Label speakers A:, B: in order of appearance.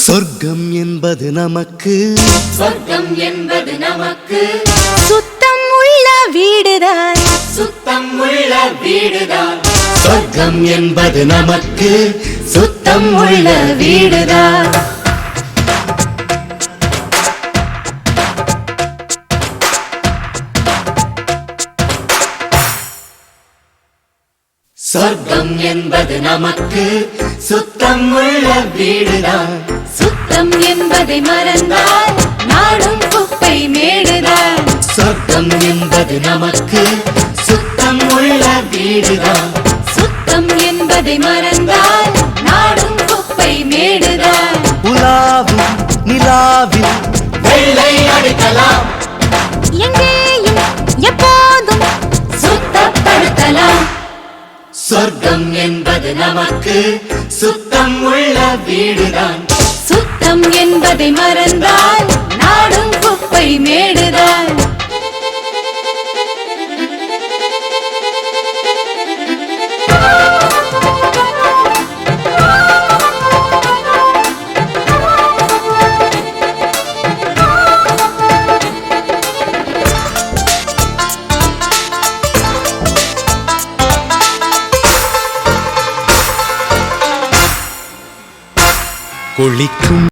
A: சொர்க்கம் என்பது நமக்கு
B: சொர்க்கம் என்பது நமக்கு
C: சுத்தம் உள்ள வீடுதான்
B: சுத்தம் உள்ள வீடுதான்
A: சொர்க்கம் என்பது நமக்கு
C: சுத்தம் உள்ள வீடுதான்
A: சொர்க்கம் என்பது நமக்கு சுத்தம் உள்ள வீடுதான்
C: சுத்தம் என்பதை மறந்தால் நாடும் குப்பை மேடுதான்
A: சொர்க்கம் என்பது நமக்கு சுத்தம் உள்ள வீடுதான்
C: சுத்தம் என்பதை மறந்தால் நாடும் குப்பை மேடுதான்
A: உலாவும் நிலாவில் வெள்ளை அடிக்கலாம்
C: எங்கேயும் எப்போதும் சுத்தப்படுத்தலாம்
A: சொர்க்கம் என்பது நமக்கு சுத்தம் உள்ள வீடுதான்
C: சுத்தம் என்பதை மறந்தால் நாடும் குப்பை மேடுதான்
A: குளிக்கும்